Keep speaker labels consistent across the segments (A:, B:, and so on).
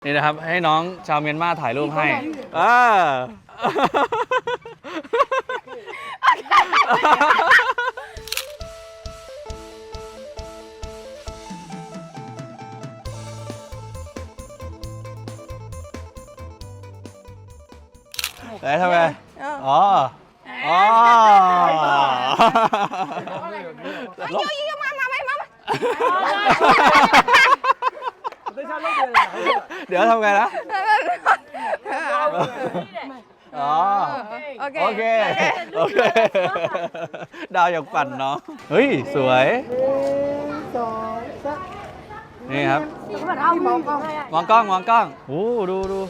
A: นี่นะครับให้น้องชาวเมียนมาถ่ายรูปให้แล้วทำไงอ๋อเดี๋ยวทำไงนะอ๋อโอเคดาวอยากปั่นเนาะเฮ้ยสวยนี่ครับมองกล้องโอ้ดู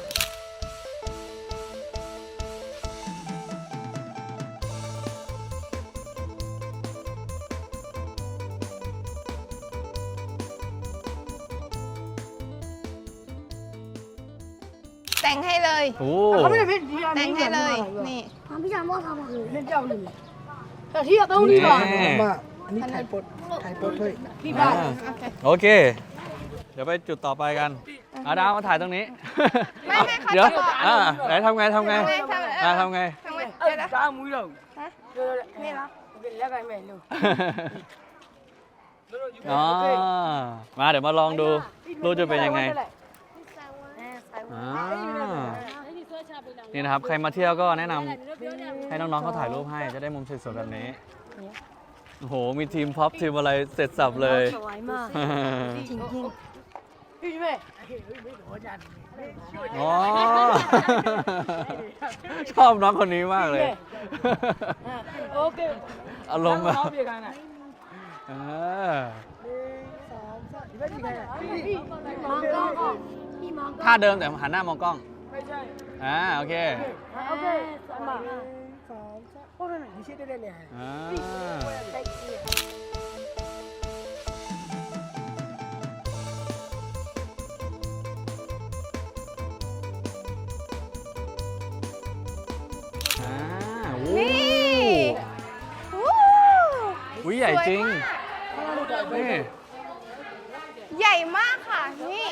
B: แต่งให้เลยแต่งให้เลยนี่
C: พี่ชายว่าทำอะไรเล่นเจ้าหนึ่งแต่ที่เราต้องรีบมาอันนี้ถ่ายปดด้วยพี่บ้าน
A: โอเคเดี๋ยวไปจุดต่อไปกันดาวมาถ่ายตรงนี้
B: ไม่เขา
A: เดี๋ยว
B: จะบอก
A: ไหนทำไง
B: ทำไง
A: จ้า
C: มุ้ยเรา
B: นี่เหรอ
C: แล้วกันไม่รู้
A: มาเดี๋ยวมาลองดูรูปจะเป็นยังไงนี่นะครับใครมาเที่ยวก็แนะนำให้น้องๆเขาถ่ายรูปให้จะได้มุมสวยๆแบบนี้โอ้โหมีทีมพ็อปทีมอะไรเสร็จสับเลย
C: สวยมากจริงๆพี่แม่
A: ชอบน้องคนนี้มากเลย
C: โอเค
A: อารมณ์แบบท่าเดิมแต่หันหน้ามองกล้องโอเค
C: โอ้ยนี่ชิดได้เลย
A: อุ้ยใหญ่จริงนี่
B: ใหญ่มากค่ะนี่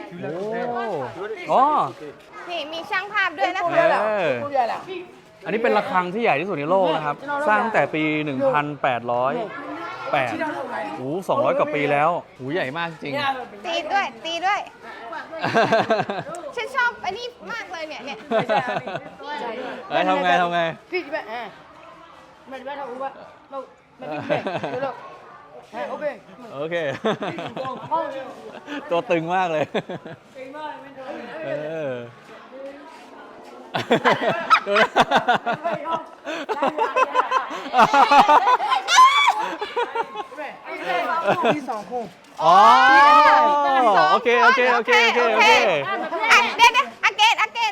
B: นี่มีช่างภาพด้วยนะคะ
A: อันนี้เป็นระฆังที่ใหญ่ที่สุดในโลกนะครับสร้างตั้งแต่ปี 1808โอ้200 กว่าปีแล้วโอ้ใหญ่มากจริง
B: ตีด้วยฉันชอบอันนี้มากเลยเนี่ย
A: ทำไง
C: พี่แม่มันทำว่ามัน
A: โอเคตัวตึงมากเลย
C: ที่สองคู่
A: โอเค
B: เดี๋ยวagain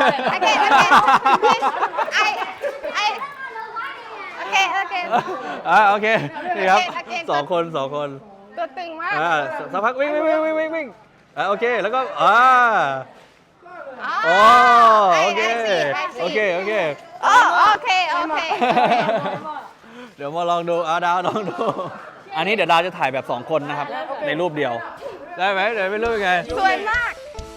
A: โอเคนี่ครับสองคน
B: ตัวตึงมาก
A: สักพักวิ่งโอเคแล้วก็โอเคเดี๋ยวมาลองดูดาวลองดูอันนี้เดี๋ยวดาวจะถ่ายแบบ2 คนนะครับในรูปเดียวได้ไหมเดี๋ยวไม่รู้ยังไง
B: สวยมาก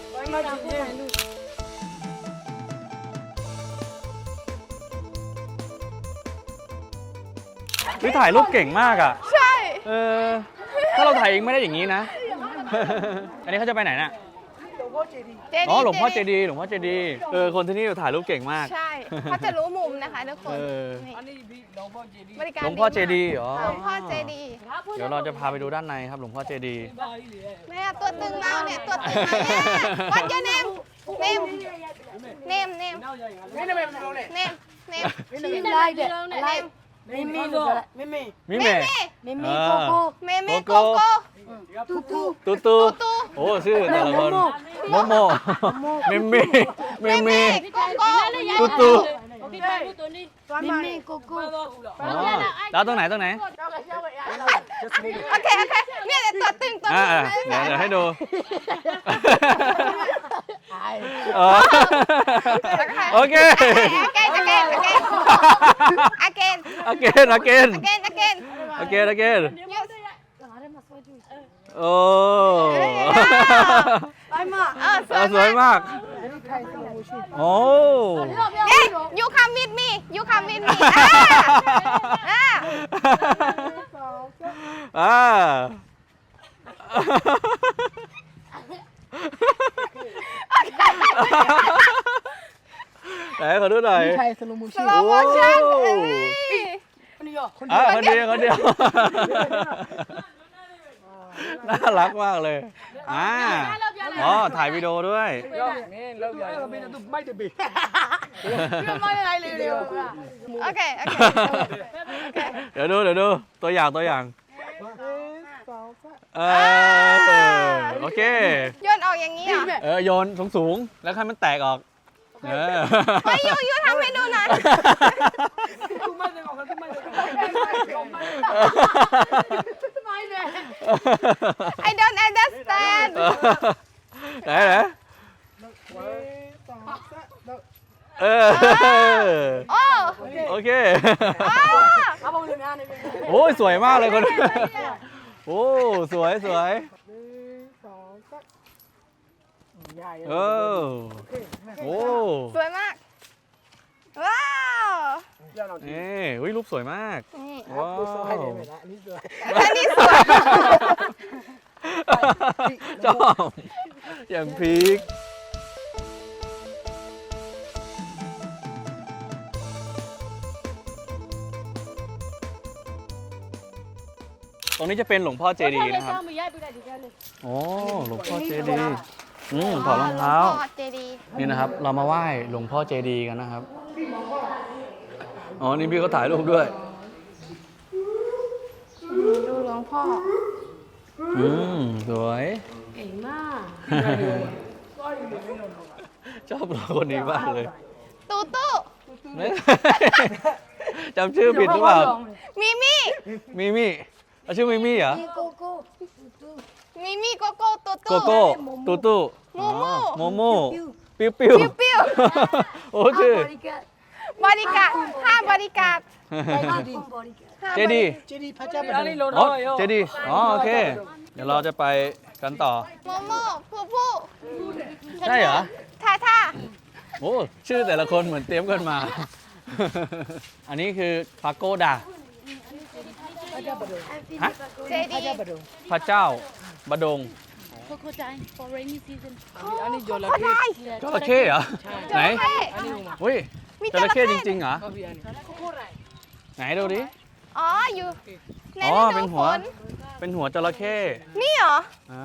A: พี่ถ่ายรูปเก่งมากอ่ะ
B: ใช่
A: ถ้าเราถ่ายเองไม่ได้อย่างนี้นะอันนี้เขาจะไปไหนน่ะหลวงพ่อเจดีย์คนที่นี่ถ่ายรูปเก่งมาก
B: ใช่เขาจะรู้มุมนะคะทุกคน
A: หลวงพ่อเจดีย์
B: หลวงพ่อเจดีย์
A: เดี๋ยวเราจะพาไปดูด้านในครับหลวงพ่อเจดีย์
B: แม่ตัวตึงเราเนี่ยตัวตึงเราเนี่ย What's your name
C: มิมิโกโก้
A: ตูโอ้ชื่อแต่ละคนโมโมมิมิตู
C: มิมิโกโก้
A: แล้วตรงไหน
B: โอเคเนี่ยตัวตึง
A: เดี๋ยวให้ดูโอเคagain โอ้สวยมาก
C: อันนี้ไทยสโลโมชั่น
A: โอ้
B: เอ๊ะ you come with me you come with me
A: อ่าไหนขอดูหน่อย
C: ไทยสโลโมชั่น
B: slow motion
C: อันนี้เหรอคน
A: อ่ะคนเดียวคนเดียว น่ารักมากเลยอ๋อถ่ายวิดีโอด้วย
C: ไม่ได้บิด
B: โอเคโอเค
A: เดี๋ยวดูตัวอย่างเออโอเค
B: โยนออกอย่างนี้เหรอ
A: โยนสูงๆแล้วให้มันแตกออกเออ
B: เฮ้ยยูทำให้ดูหน่อย I don't understand
A: ไหนเออ
B: โอ้
A: โอเค
C: เอาไปเลยนะนี่
A: โอ้ยสวยมากเลยคนนี้โอ้สวยเออโอ้
B: สวยมาก ว้าว
A: นี่อุ้ยรูปสวยมาก
B: นี่
A: ว้าว
C: ให้เลยนะอันนี้สวย
B: อันนี้สวย
A: ชอบอย่างพีคตรงนี้จะเป็นหลวงพ่อเจดีย์นะครับโอ้หลวงพ่อเจดีย์ถอดรองเท้า
B: พ่อเจดีย์
A: นี่นะครับ เรามาไหว้หลวงพ่อเจดีย์กันนะครับ อ๋อ นี่พี่เขาถ่ายรูปด้วย
B: ดูหลวงพ่อ
A: สวยเก่งมาก ชอบเราคนนี้มากเลย
B: ตูตู้
A: จำชื่อผิดหรือเปล่า
B: มิมี่
A: มิมี่เอาชื่อมิมี่เหรอ
B: มิมี่โกโก้ตู
A: โก
B: ตู้
A: โก้ตูตู้
B: โมโม่
A: โมโม่ปิ้วปิ้ว
B: ปิ้ว
A: โอ้ชื่อ
B: บริการ5บริการ
A: เจดีย์
C: เจดีย์พระเจ้าเป็น
A: อ๋อเจดีย์อ๋อโอเค เดี๋ยวเราจะไปกันต่อ
B: โมโม่ผู้ผู้
A: ใช่เหรอ
B: ท่าท่า
A: โอ้ชื่อแต่ละคนเหมือนเตรียมกันมา อันนี้คือพาโกดาฮะ
B: เจดีย์
A: พระเจ้าบดง
D: Crocodile for rainy season.
C: อันนี้โยน
B: โคได้
A: จระเข้เหรอ
B: จ
A: ไหน
B: ระเข้
A: อุ้ย
B: มี
A: จระเข้จริงๆเหรอ ไหนดูดิ
B: อ๋ออยู่ใน
A: อ๋อ
B: ฤ
A: เป็
B: ดู
A: น
B: ฝ
A: หัวน เป็นหัวจระเข้
B: นี่เหรอ
A: อ่า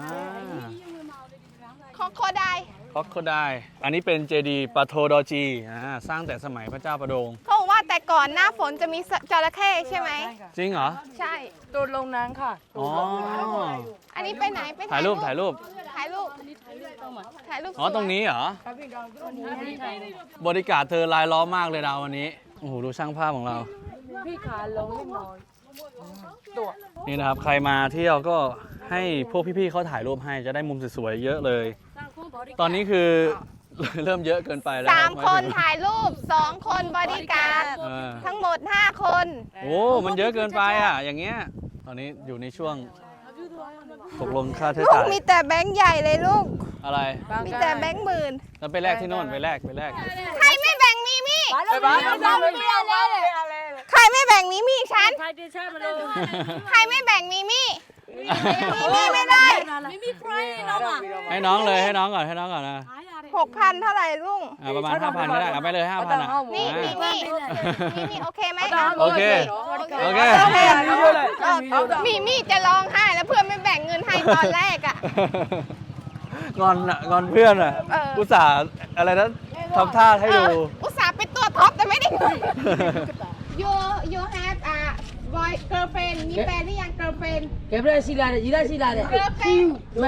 B: ของโคได้
A: คอกโคไดอันนี้เป็นเจดีย์ปาโทดอจีสร้างแต่สมัยพระเจ้าประดง
B: เขาบอกว่าแต่ก่อนหน้าฝนจะมีจระเข้ใช่ไหม
A: จริงเหรอ
B: ใช่
C: โดนลงน้ำค่ะ
A: อ๋อ
B: อันนี้ไปไหนไป
A: ถ่ายรูป
B: ถ่ายรูปถ่ายรูป
A: อ๋อ ตรงนี้เหรอ บริการเธอลายล้อมมากเลยดาววันนี้ โอ้โห ดูช่างภาพของเรา
C: พี่ขาลงนิดหน่อย
A: นี่นะครับ ใครมาเที่ยวก็ให้พวกพี่ๆเขาถ่ายรูปให้จะได้มุมสวยๆเยอะเลย ตอนนี้คือ เริ่มเยอะเกินไปแล้ว
B: สาม
A: รับ
B: คนถ่ายรูป2 คนบริการ
A: เออ
B: ทั้งหมด 5 คน
A: โอ้ มันเยอะเกินไปอ่ะ อย่างเงี้ย ตอนนี้อยู่ในช่วงตกลงค่าใช้
B: ลูก
A: จ่าย
B: มีแต่แบงค์ใหญ่เลยลูก
A: อะไร
B: มีแต่แบงค์หมื่น
A: แล้วไปแลกที่โน่นไปแลก
B: ใครไม่แบ่งมีมี่
C: ไปบ้าน
B: ใครไม่แบ่งมีมี่ฉัน
D: ใครจะใช่มาเลย
B: ใครไม่แบ่งมีมี่มีมี่ไม่ได้
D: ไม่มีใครน้องอ่ะ
A: ให้น้องเลยให้น้องก่อนนะ
B: 6,000 เท่าไหร่ลุง
A: ประมาณ 5,000ก็ได้เอาไปเลย 5,000อ่ะ
B: นี่
A: อ่า
B: มีมี่โอเคไหม
A: โอเค โอเค
B: มีมี่จะร้องไห้แล้วเพื่อนไม่แบ่งเงินให้ตอนแรกอ่ะ
A: งอนอ่ะงอนเพื่อนอ่ะ
B: เออ
A: อุตส่าห์อะไรนะทำท่าให้ดู
B: อุตส่าห์เป็นตัวท็อปแต่ไม่ได้เงิน you have a boy girlfriend มีแฟนหรือยัง girlfriend
C: เก็บได้สิลาเลยยีได้สิลาเลย
B: girlfriend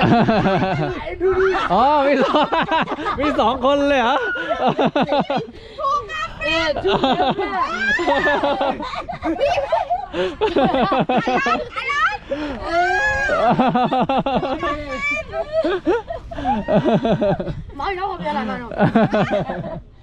A: อ๋อมีสองคนเลยเหรอ
B: ถูกครับ
C: ถูก
B: อะไร
C: ไม่น้องผมจะอะไรมา